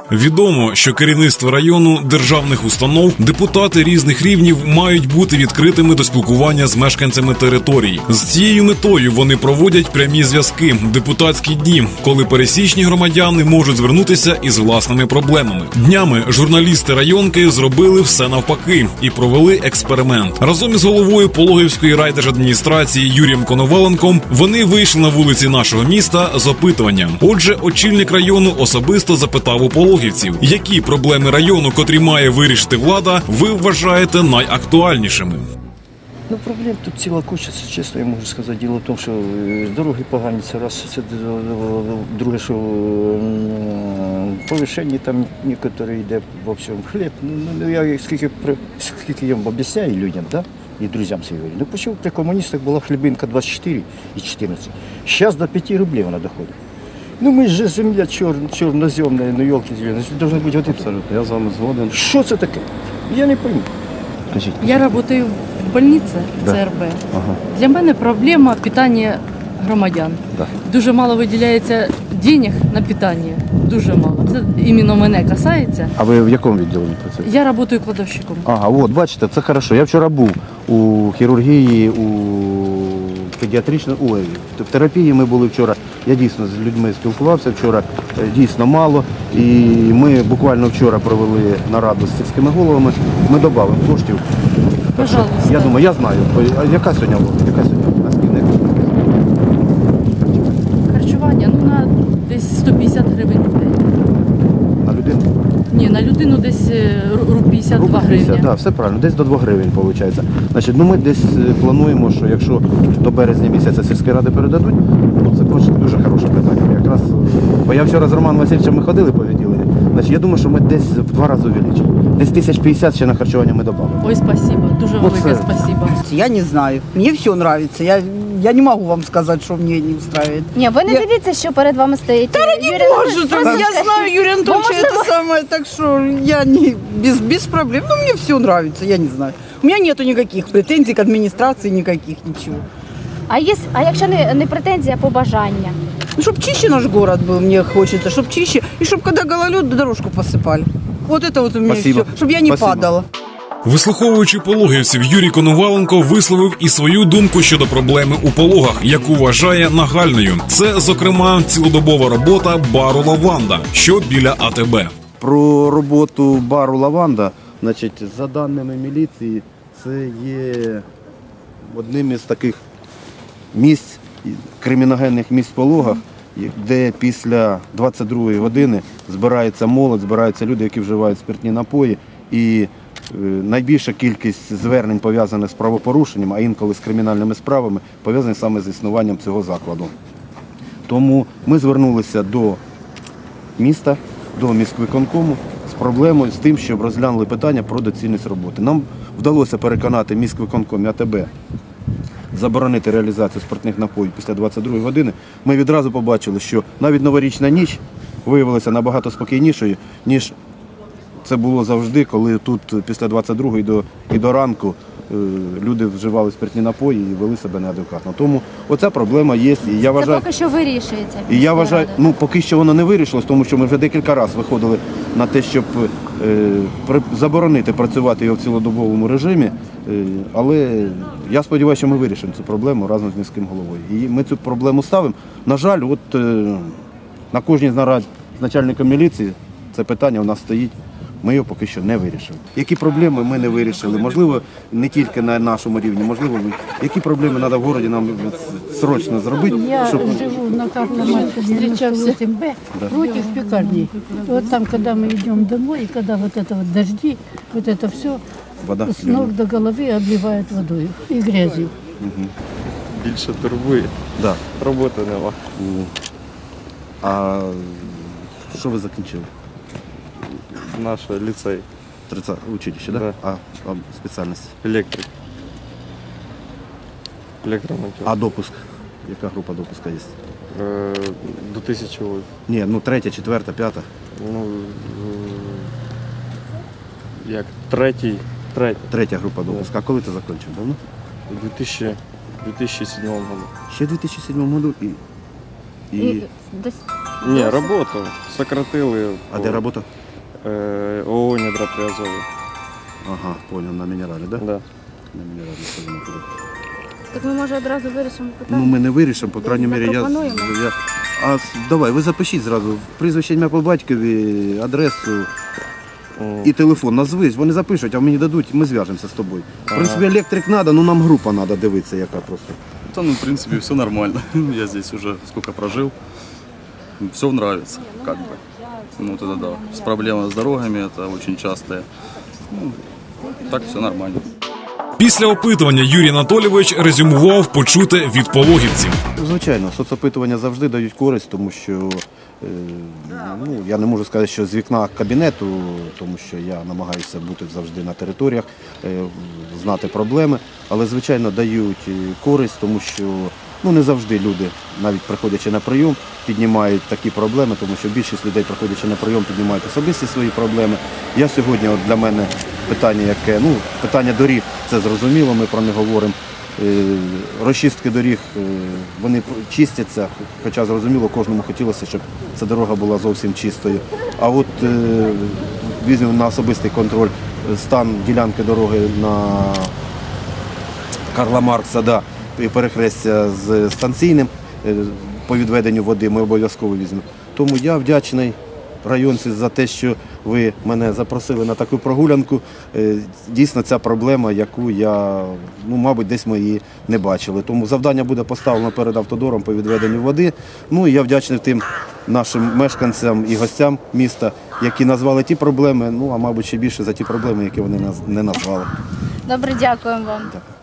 Відомо, що керівництво району, державних установ, депутати різних рівнів мають бути відкритими до спілкування з мешканцями територій. З цією метою вони проводять прямі зв'язки, депутатські дні, коли пересічні громадяни можуть звернутися із власними проблемами. Днями журналісти районки зробили все навпаки і провели експеримент. Разом із головою Пологівської райдержадміністрації Юрієм Коноваленком вони вийшли на вулиці нашого міста з опитуванням. Отже, очільник району особисто запитав у пологівців, які проблеми району, котрі має вирішити влада, ви вважаєте найактуальнішими. Ну, проблем тут ціла куча, чесно я можу сказати. Діло в тому, що дороги погані, це раз, це друге, що повищення там некоторі йде в общем хліб. Ну, я скільки я об'ясняю людям, да? І друзям своїм говорю. Ну, почему при комуністах була хлібинка 24 і 14. Зараз до 5 рублів вона доходить. Ну, ми ж земля чорноземна, ну, елки-зелені, должны бути вот это. Абсолютно, я з вами згоден. Що це таке? Я не пойму. Кажіть. Я працюю в больниці ЦРБ. Ага. Для мене проблема питання громадян. Да. Дуже мало виділяється грошей на питання. Дуже мало. Це іменно мене касається. А ви в якому відділенні працюєте? Я працюю кладовщиком. Ага, от, бачите, це хорошо. Я вчора був у хірургії, у педіатричному, в терапії ми були вчора. Я дійсно з людьми спілкувався вчора, дійсно мало. І ми буквально вчора провели нараду з сільськими головами. Ми додамо коштів. Пожалуйста. Я думаю, я знаю. А яка сьогодні була? Наскільки? Харчування, ну, на десь 150 гривень в день. На людину? Ні, на людину десь 52 гривні. Так, все правильно, десь до 2 гривень виходить. Значить, ну ми десь плануємо, що якщо до березня місяця сільські ради передадуть, ну це дуже хороше питання. Якраз, бо я вчора з Романом Васильовичем ми ходили по відділенню, значить, я думаю, що ми десь в 2 рази увеличимо. Десь 1050 ще на харчування ми додамо. Ой, спасибо, дуже велике спасибо. Я не знаю, мне все нравится. Я не могу вам сказать, что мне не устраивает. Ні, ви не дивіться, що перед вами стоїть. Я знаю Юрия Анатольевича, это самое, так что я не, без проблем. Ну, мне все нравится, я не знаю. У меня нету никаких претензий к администрации, никаких, ничего. А якщо не претензія, а побажання? Ну, чтобы чище наш город был, мне хочется, чтобы чище. И чтобы когда гололед, дорожку посыпали. Вот это вот у меня Спасибо. все, чтобы я не падала. Вислуховуючи пологівців, Юрій Коноваленко висловив і свою думку щодо проблеми у Пологах, яку вважає нагальною. Це, зокрема, цілодобова робота бару «Лаванда», що біля АТБ. Про роботу бару «Лаванда», значить, за даними міліції, це є одним із таких місць, криміногенних місць в Пологах, де після 22-ї години збирається молодь, збираються люди, які вживають спиртні напої. І найбільша кількість звернень, пов'язаних з правопорушенням, а інколи з кримінальними справами, пов'язані саме з існуванням цього закладу. Тому ми звернулися до міста, до міськвиконкому з проблемою, з тим, щоб розглянули питання про доцільність роботи. Нам вдалося переконати міськвиконком і АТБ заборонити реалізацію спиртних напоїв після 22-ї години. Ми відразу побачили, що навіть новорічна ніч виявилася набагато спокійнішою, ніж це було завжди, коли тут після 22-ї і до ранку люди вживали спиртні напої і вели себе неадекватно. Тому оця проблема є. І я вважаю, це поки що вирішується. І я вважаю, ну поки що воно не вирішилось, тому що ми вже декілька разів виходили на те, щоб заборонити працювати його в цілодобовому режимі. Але я сподіваюся, що ми вирішимо цю проблему разом з міським головою. І ми цю проблему ставимо. На жаль, от на кожній з нарад з начальником міліції це питання у нас стоїть. Ми його поки що не вирішили. Які проблеми ми не вирішили? Можливо, не тільки на нашому рівні, можливо, які проблеми треба в городі нам срочно зробити. Я живу на Карла Маркса, 98Б, против пекарни. Вот там, когда мы идем домой, и когда вот это вот дожди, вот это все Вода, с ног до головы обливает водой и грязью. Більше турбує. Да. Роботи нема. А що ви закінчили? Наш ліцей. 30 училище, да? Да. А спеціальність? Електрик. Електромонтер. А допуск? Яка група допуска є? До 1000 вольт. Ні, ну 3, 4, 5. Ну, як третя. Третя група допуска. А коли ти закінчив? Давно? У 2007 году. Ще в 2007 году і... Десь Ні, роботу. Сократили. А де робота? ООО «Недра Приазові». Ага, понял, на мінералі, да? Да. На мінералі скажімо туди. Так ми, може, одразу вирішимо питання? Ну, ми не вирішимо, по крайній мірі, Запропонуємо. давай, ви запишіть зразу прізвище, ім'я по батькові, адресу і телефон. Назви, вони запишуть, а мені дадуть, ми зв'яжемося з тобою. В принципі, електрик треба, ну нам група треба дивитися, яка просто. Да, ну, в принципе, все нормально. Я здесь уже сколько прожил. Все нравится, как бы. Ну, вот это да. С проблемой с дорогами, это очень частые. Ну, так все нормально. Після опитування Юрій Анатолійович резюмував почуте від пологівців. Звичайно, соцопитування завжди дають користь, тому що ну, я не можу сказати, що з вікна кабінету, тому що я намагаюся бути завжди на територіях, знати проблеми, але, звичайно, дають користь, тому що ну, не завжди люди, навіть приходячи на прийом, піднімають такі проблеми, тому що більшість людей, приходячи на прийом, піднімають особисті свої проблеми. Я сьогодні, от для мене питання, яке, ну, питання доріг, це зрозуміло, ми про не говоримо. Розчистки доріг, вони чистяться, хоча зрозуміло, кожному хотілося, щоб ця дорога була зовсім чистою. А от візьмемо на особистий контроль стан ділянки дороги на Карла Маркса, да, і перехрестя з станційним по відведенню води, ми обов'язково візьмемо. Тому я вдячний районці за те, що ви мене запросили на таку прогулянку. Дійсно, ця проблема, яку я, ну, мабуть, десь ми її не бачили. Тому завдання буде поставлено перед автодором по відведенню води. Ну, і я вдячний тим нашим мешканцям і гостям міста, які назвали ті проблеми, ну, а мабуть, ще більше за ті проблеми, які вони не назвали. Добре, дякуємо вам. Дякую.